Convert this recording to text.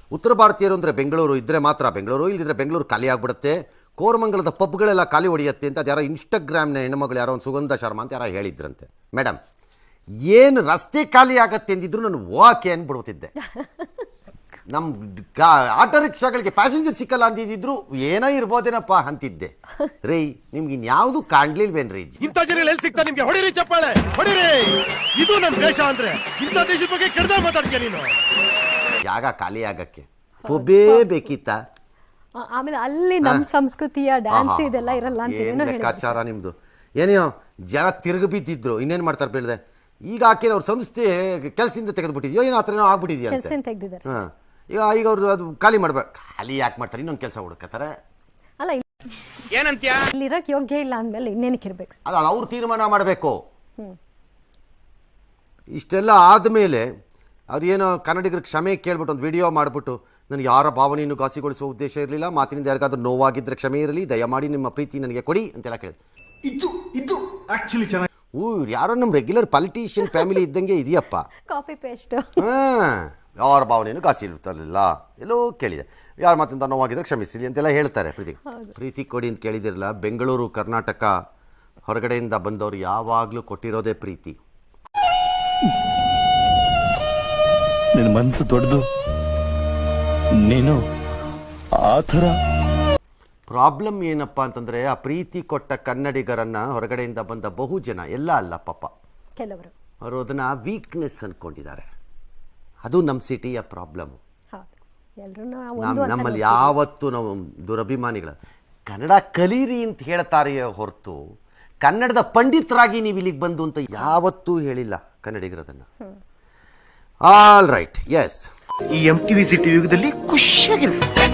ಉತ್ತರ ಭಾರತೀಯರು ಅಂದರೆ ಬೆಂಗಳೂರು ಇದ್ದರೆ ಮಾತ್ರ ಬೆಂಗಳೂರು, ಇಲ್ಲದಿದ್ದರೆ ಬೆಂಗಳೂರು ಖಾಲಿ ಆಗಿಬಿಡುತ್ತೆ, ಕೋರಮಂಗಲದ ಪಬ್ಗಳೆಲ್ಲ ಖಾಲಿ ಹೊಡೆಯುತ್ತೆ ಅಂತ ಅದು ಯಾರೋ ಇನ್ಸ್ಟಾಗ್ರಾಮ್ನ ಹೆಣ್ಣುಮಗಳು ಯಾರೋ ಒಂದು ಸುಗಂಧ ಶರ್ಮಾ ಅಂತ ಯಾರೋ ಹೇಳಿದ್ರಂತೆ. ಮೇಡಮ್, ಏನು ರಸ್ತೆ ಖಾಲಿ ಆಗತ್ತೆ ಅಂದಿದ್ರು ನಾನು ಓಕೆ ಅಂದ್ಬಿಡ್ತಿದ್ದೆ. ನಮ್ಮ ಆಟೋ ರಿಕ್ಷಾಗಳಿಗೆ ಪ್ಯಾಸೆಂಜರ್ ಸಿಕ್ಕಲ್ಲ ಅಂದಿದ್ರು ಏನೋ ಇರ್ಬೋದೇನಪ್ಪ ಅಂತಿದ್ದೆ. ರೀ ನಿಮ್ಗೆ ಇನ್ಯಾವುದು ಕಾಣ್ಲಿಲ್ವೇನ್ರಿ? ಇಂಥ ಜನ ಎಲ್ಲಿ ಸಿಗ್ತಾ ನಿಮ್ಗೆ? ಹೊಡಿರಿ ಚಪ್ಪಾಳೆ ಹೊಡಿರಿ. ಇದು ನಮ್ಮ ದೇಶ ಅಂದ್ರೆ ಇಂಥ ದೇಶದ ಬಗ್ಗೆ ಕೆಡ್ದ ಮಾತಾಡ್ತೀಯ ನೀನು. ಜಾಗ ಖಾಲಿ ಆಗಕ್ಕೆ ಒಬ್ಬೇ ಬೇಕಿತ್ತ? ಆಮೇಲೆ ಅಲ್ಲಿ ನಮ್ಮ ಸಂಸ್ಕೃತಿಯ ಡ್ಯಾನ್ಸ್ ಇದೆಲ್ಲ ಇರಲ್ಲ ಅಂತ ಏನೋ ಲೆಕ್ಕಾಚಾರ ನಿಮ್ದು. ಏನೋ ಜನ ತಿರುಗಿ ಬಿದ್ದಿದ್ರು, ಇನ್ನೇನು ಮಾಡ್ತಾರೆ ಬೇಡದೆ. ಈಗ ಆಕೆ ಅವ್ರ ಸಂಸ್ಥೆ ಕೆಲಸದಿಂದ ತೆಗೆದುಬಿಟ್ಟಿದ್ಯೋ ಏನೋ ಆ ಥರ ಏನೋ ಆಗ್ಬಿಟ್ಟಿದ್ಯಾ ಅಂತ. ಹಾಂ, ಈಗ ಅವ್ರದ್ದು ಅದು ಖಾಲಿ ಮಾಡ್ಬೇಕು. ಖಾಲಿ ಯಾಕೆ ಮಾಡ್ತಾರೆ? ಇನ್ನೊಂದು ಕೆಲಸ ಹುಡುಕತ್ತಾರೆ. ಅಲ್ಲ, ಏನಂತ್ಯ? ಇಲ್ಲಿರಕ್ಕೆ ಯೋಗ್ಯ ಇಲ್ಲ ಅಂದಮೇಲೆ ಇನ್ನೇನಕ್ಕೆ ಇರ್ಬೇಕು? ಅಲ್ಲ, ಅವ್ರು ತೀರ್ಮಾನ ಮಾಡಬೇಕು. ಇಷ್ಟೆಲ್ಲ ಆದಮೇಲೆ ಅವ್ರು ಏನೋ ಕನ್ನಡಿಗರಿಗೆ ಕ್ಷಮೆ ಕೇಳ್ಬಿಟ್ಟು ಒಂದು ವಿಡಿಯೋ ಮಾಡಿಬಿಟ್ಟು, ನನಗೆ ಯಾರ ಭಾವನೆಯನ್ನು ಘಾಸಿಗೊಳಿಸುವ ಉದ್ದೇಶ ಇರಲಿಲ್ಲ, ಮಾತಿನಿಂದ ಯಾರಿಗಾದ್ರೂ ನೋವಾಗಿದ್ದರೆ ಕ್ಷಮೆ ಇರಲಿ, ದಯಮಾಡಿ ನಿಮ್ಮ ಪ್ರೀತಿ ನನಗೆ ಕೊಡಿ ಅಂತೆಲ್ಲ ಕೇಳಿದೆ. ಇದು ಆಕ್ಚುಲಿ ಚೆನ್ನಾಗಿ ಯಾರೋ ನಮ್ಮ ರೆಗ್ಯುಲರ್ ಪಾಲಿಟಿಷಿಯನ್ ಫ್ಯಾಮಿಲಿ ಇದ್ದಂಗೆ ಇದೆಯಪ್ಪ. Copy paste. ಹಾಂ, ಯಾರ ಭಾವನೆಯನ್ನು ಘಾಸಿರುತ್ತಲಿಲ್ಲ, ಎಲ್ಲೋ ಕೇಳಿದೆ. ಯಾರ ಮಾತಿಂದ ನೋವಾಗಿದ್ರೆ ಕ್ಷಮಿಸಿಲಿ ಅಂತೆಲ್ಲ ಹೇಳ್ತಾರೆ. ಪ್ರೀತಿ ಕೊಡಿ ಅಂತ ಕೇಳಿದಿರಲ್ಲ. ಬೆಂಗಳೂರು ಕರ್ನಾಟಕ ಹೊರಗಡೆಯಿಂದ ಬಂದವರು ಯಾವಾಗಲೂ ಕೊಟ್ಟಿರೋದೇ ಪ್ರೀತಿ. ನಿನ್ನ ಮನಸ್ಸು ದೊಡ್ಡದು, ನೀನು ಆ ಥರ. ಪ್ರಾಬ್ಲಮ್ ಏನಪ್ಪ ಅಂತಂದರೆ, ಆ ಪ್ರೀತಿ ಕೊಟ್ಟ ಕನ್ನಡಿಗರನ್ನು ಹೊರಗಡೆಯಿಂದ ಬಂದ ಬಹು ಜನ, ಎಲ್ಲ ಅಲ್ಲ ಪಾಪ, ಕೆಲವರು ಅವರು ಅದನ್ನು ವೀಕ್ನೆಸ್ ಅಂದ್ಕೊಂಡಿದ್ದಾರೆ. ಅದು ನಮ್ಮ ಸಿಟಿಯ ಪ್ರಾಬ್ಲಮ್ಮು. ನಮ್ಮಲ್ಲಿ ಯಾವತ್ತೂ ನಾವು ದುರಭಿಮಾನಿಗಳ ಕನ್ನಡ ಕಲೀರಿ ಅಂತ ಹೇಳ್ತಾರೆಯೇ ಹೊರತು ಕನ್ನಡದ ಪಂಡಿತರಾಗಿ ನೀವು ಇಲ್ಲಿಗೆ ಬಂದು ಅಂತ ಯಾವತ್ತೂ ಹೇಳಿಲ್ಲ ಕನ್ನಡಿಗರದನ್ನು. All right, yes. ಈ MTV ಸಿಟಿ ಯುಗದಲ್ಲಿ ಖುಷಿಯಾಗಿರುತ್ತೆ.